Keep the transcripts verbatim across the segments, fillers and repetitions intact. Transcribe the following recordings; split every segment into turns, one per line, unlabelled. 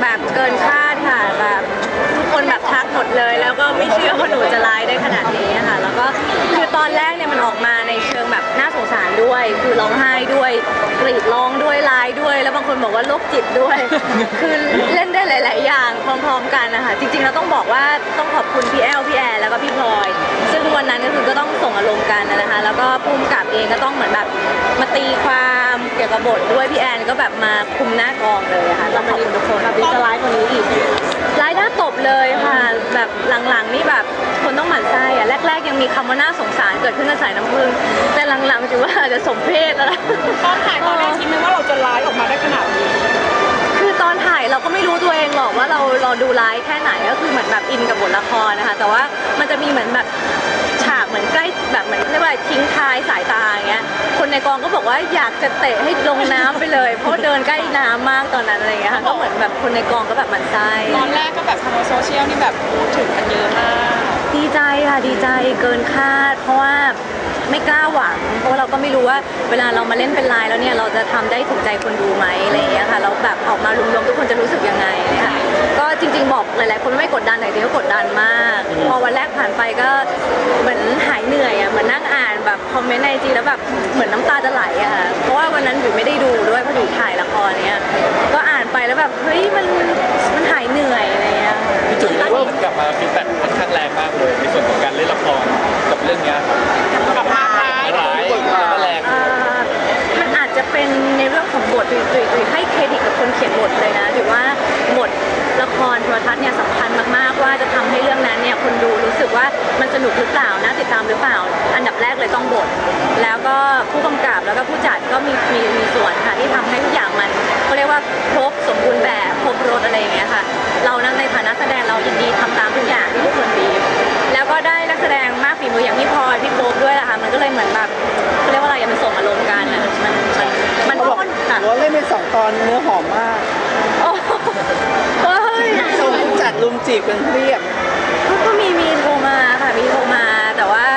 แบบเกินคาดค่ะแบบทุกคนแบบทักหมดเลยแล้วก็ไม่เชื่อว่าหนูจะร้ายได้ขนาดนี้ค่ะแล้วก็คือตอนแรกเนี่ยมันออกมาในเชิงแบบน่าสงสารด้วยคือร้องไห้ด้วยกรีดร้องด้วยร้ายด้วยแล้วบางคนบอกว่าโรคจิตด้วยคือเล่นได้หลายๆอย่างพร้อมๆกันนะคะจริงๆเราต้องบอกว่าต้องขอบคุณพี่แอลพี่แอร์แล้วก็พี่พลอยซึ่งวันนั้นก็คือก็ต้องส่งอารมณ์กันนะคะแล้วก็ภูมิกับเองก็ต้องเหมือนแบบมาตีความเกี่ยวกับบทด้วยพี่แอนก็แบบมาคุมหน้ากองเลยค่ะต้องขอบคุณทุกคนแบบจะร้ายกว่านี้อีกร้ายหน้าตบเลยค่ะแบบหลังๆนี่แบบคนต้องหมั่นไส้อะแรกๆยังมีคำว่าน่าสงสารเกิดขึ้นกับสายน้ำผึ้งแต่หลังๆถือว่าอาจจะสมเพศแล้ว
ตอนถ่ายตอนแรกคิดไหมว่าเราจะร้ายออกมาได้ขนาดนี้
คือตอนถ่ายเราก็ไม่รู้ตัวเองหรอกว่าเราเราดูร้ายแค่ไหนก็คือเหมือนแบบอินกับบทละครนะคะแต่ว่ามันจะมีเหมือนแบบฉากเหมือนใกล้แบบเหมือนเรียกว่าทิ้งท้ายสายตาอย่างเงี้ยคนในกองก็บอกว่าอยากจะเตะให้ลงน้ำไปเลยเพราะเดินใกล้น้ำมากตอนนั้นอะไรเงี้ยค่ะก็เหมือนแบบคนในกองก็แบบหมั่นไส้
ตอนแรกก็แบบทางโซเชียลนี่แบบพูดถึงกันเยอะมาก
ดีใจค่ะดีใจเกินคาดเพราะว่าไม่กล้าหวังเพราะว่าเราก็ไม่รู้ว่าเวลาเรามาเล่นเป็นลายแล้วเนี่ยเราจะทำได้ถูกใจคนดูไหมอะไรอย่างเงี้ยค่ะแล้วแบบออกมารวมๆทุกคนจะรู้สึกยังไงค่ะก็จริงๆบอกหลายๆคนไม่กดดันแต่เดียวกดดันมากพอวันแรกผ่านไปก็เหมือนหายเหนื่อยอ่ะเหมือนนั่งอ่านแบบคอมเมนต์ในจีแล้วแบบเหมือนน้ำตาจะไหลอะค่ะเพราะว่าวันนั้นอยู่ไม่ได้ดูด้วยเพราะอยู่ถ่ายละครเนี้ยก็อ่านไปแล้วแบบเฮ้ยมันมันหายเหนื่อยอะไรเงี้ย
พี่จุ๋ยว่ามันกลับมาฟีดแบ็กค่อนข้างแรงมากเลยในส่วนของการเล่นละครกับเรื่องนี้
กับภาพร้าย
ร้ายแรง
มันอาจจะเป็นในเรื่องของบทตุยตุยให้เครดิตกับคนเขียนบทเลยนะถือว่าบทละครโทรทัศน์เนี่ยสำคัญมากๆว่าจะทำให้เรื่องนั้นเนี่ยคนดูรู้สึกว่ามันสนุกหรือเปล่านะติดตามหรือเปล่าอันดับแรกเลยต้องบทแล้วก็ผู้กำกับแล้วก็ผู้จัดก็มีมีมีส่วนค่ะที่ทำให้ทุกอย่างมันเขาเรียกว่าครบสมบูรณ์แบบครบรสอะไรอย่างเงี้ยค่ะเรานั้นในฐานะแสดงเรายินดีทำตามทุกอย่างที่ทุกคนบีบแล้วก็ได้นักแสดงมากฝีมืออย่างพี่พลอยพี่โป๊ปด้วยแหละค่ะมันก็เลยเหมือนแบบเขาเรียกว่าอะไรมันส่งอารมณ์กันมันมันมัน
บอกว่าเล่นเป็นสองตอนเนื้อหอมมาก
โอ้ย
ส่งจัดลุมจีบกันเรียบ
ก็มีมีโทรมาค่ะมีโทรมาแต่ว่า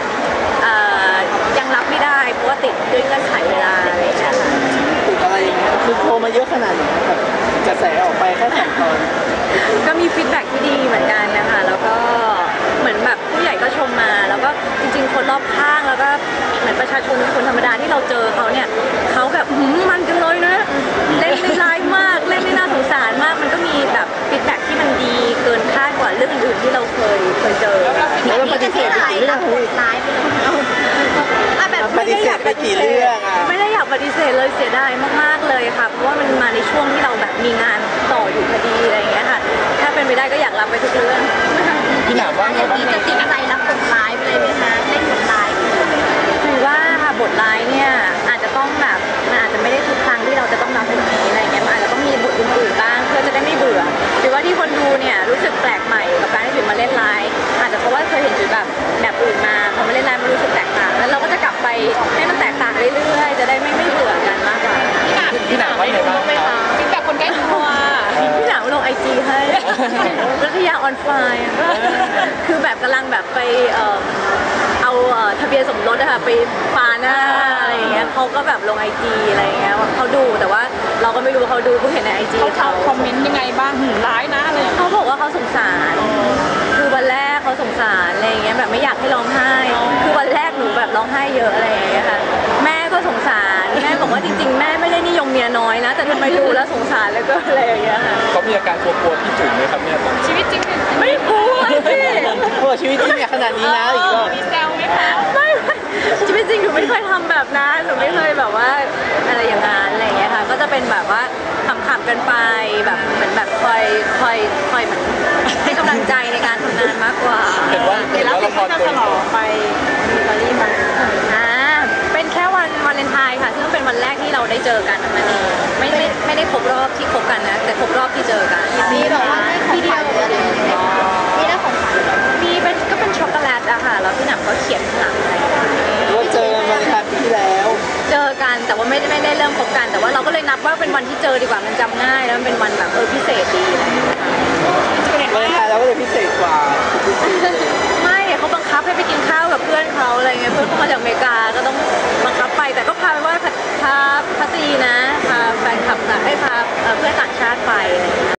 ยังรับไม่ได้เพราะว่าติดด้วยเงื่อนไขเวลาอะไรอย่างเงี้ยค่ะ
ติดอะไรอย่างเงี้ยคือโทรมาเยอะขนาดไหนแบบกระแสออกไปแค่สองตอน
ก็มีฟีดแบ็กที่ดีเหมือนกันนะคะแล้วก็เหมือนแบบผู้ใหญ่ก็ชมมาแล้วก็จริงๆคนรอบข้างแล้วก็เหมือนประชาชนคนธรรมดาที่เราเจอเขาเนี่ยเขาแบบมันจังเลยนะเล่นได้ร้ายมากเล่นได้น่าสงสารมากมันก็มีแบบฟีดแบ็กที่มันดีเกินคาดกว่าเรื่องอื่นที่เราเคยเคยเจอ
แล้วเราปฏิเสธไปกี่เรื่อง
ร้ายไปเลย
แบบปฏิเสธไปกี่เรื่องอ่ะ
ไม่ได้อยากปฏิเสธเลยเสียดายมากๆเลยค่ะเพราะว่ามันมาในช่วงที่เราแบบมีงานต่ออยู่พอดีอะไรอย่างเงี้ยค่ะถ้าเป็นไปได้ก็อยากรับไปทุกเรื่อง
พี่หนามว่า
จะติดจะติดใจรับบทร้ายไปเลยไหมคะเล่นบทร้ายคือว่าค่ะบทร้ายเนี่ยอาจจะต้องแบบมันอาจจะไม่ได้ทุกครั้งที่เราจะต้องรับบทนี้อะไรเงี้ยมันอาจจะต้องมีบทอื่นๆบ้างเพื่อจะได้ไม่เบื่อหรือว่าที่คนดูเนี่ยรู้สึกแปลกใหม่กับการที่จุ๋ยมาเล่นร้ายอาจจะเพราะว่าเคยเห็นจุ๋ยแบบแบบอื่นมาพอมาเล่นร้ายมันรู้สึกแตกต่างแล้วเราก็จะกลับไปให้มันแตกต่างเรื่อยๆจะได้ไม่ไม่เบื่อกันมากกว่า
พี่หนามว่าไงบ้างคะ
ฟีดแบ็กคนใกล้ตัว
พี่หนามลงไอจีให้รัตยาออนไฟน์คือแบบกำลังแบบไปเอาทะเบียนสมรสนะคะไปฟาหน้าอะไรอย่างเงี้ยเขาก็แบบลงไอจีอะไรอย่างเงี้ยเขาดูแต่ว่าเราก็ไม่รู้เขาดูเพิ่งเห็นในไอจี
เขาคอมเมนต์ยังไงบ้างหืมร้ายนะอะไร
เขาบอกว่าเขาสงสารคือวันแรกเขาสงสารอะไรอย่างเงี้ยแบบไม่อยากให้ร้องไห้คือวันแรกหนูแบบร้องไห้เยอะอะไรอย่างเงี้ยค่ะแม่ก็สงสารแม่บอกว่าจริงๆแม่ไม่ได้นิยมเมียน้อยนะแต่ทำไมดูแล้วสงสารแล้วก็อะไรอย่างเงี้ยค่ะ
เขามีอาการกลัวๆพี่จุ๋ยไหมครับเนี่ย
ชีวิตจริง
ไม่กลัวพี่
โอ้ชีวิตจริงเนี่ยขนาดนี้นะอีกแล้ว
มีแซวไหมคะ
ไม่ชีวิตจริงหนูไม่เคยทำแบบนั้นหนูไม่เคยแบบว่าอะไรอย่างนั้นอะไรอย่างเงี้ยค่ะก็จะเป็นแบบว่าขำๆกันไปแบบเหมือนแบบคอยคอยคอยเหมือนให้กำลังใจในการทำงานมากกว่า
เห็นว่าเห็นว่าละครตัวนี้
ไปมีตอรี่มาอ่าเป็นแค่วันวาเลนไทน์ค่ะซึ่งเป็นวันแรกที่เราได้เจอกันนั่นเองไม่ไม่ไม่ได้ครบรอบที่คบกันนะแต่ครบรอบที่เจอกัน
มีแบบว่า
พี่เดียวมีได้ของขวัญมีเป็นก็เป็นช็อกโกแลตอะค่ะแล้วพี่หนักก็เขียนข้างหลังอะไร
ว่าเจอกันวันครั้งที่แล้ว
เจอกันแต่ว่าไม่ได้ไม่ได้เริ่มคบกันแต่ว่าเราก็เลยนับว่าเป็นวันที่เจอดีกว่ามันจำง่ายแล้วมันเป็นวันแบบเออพิเศษดีอะไรอย่างเงี้ย
วันไทยเราก็เลยพิเศษกว่า
ไม่เขาบังคับให้ไปกินข้าวกับเพื่อนเขาอะไรเงี้ยเพื่อนเขามาจากอเมริกาก็ต้องบังคับไปแต่ก็พาไปว่าพาพัตีนะพาแฟนคลับให้พาเพื่อนต่างชาติ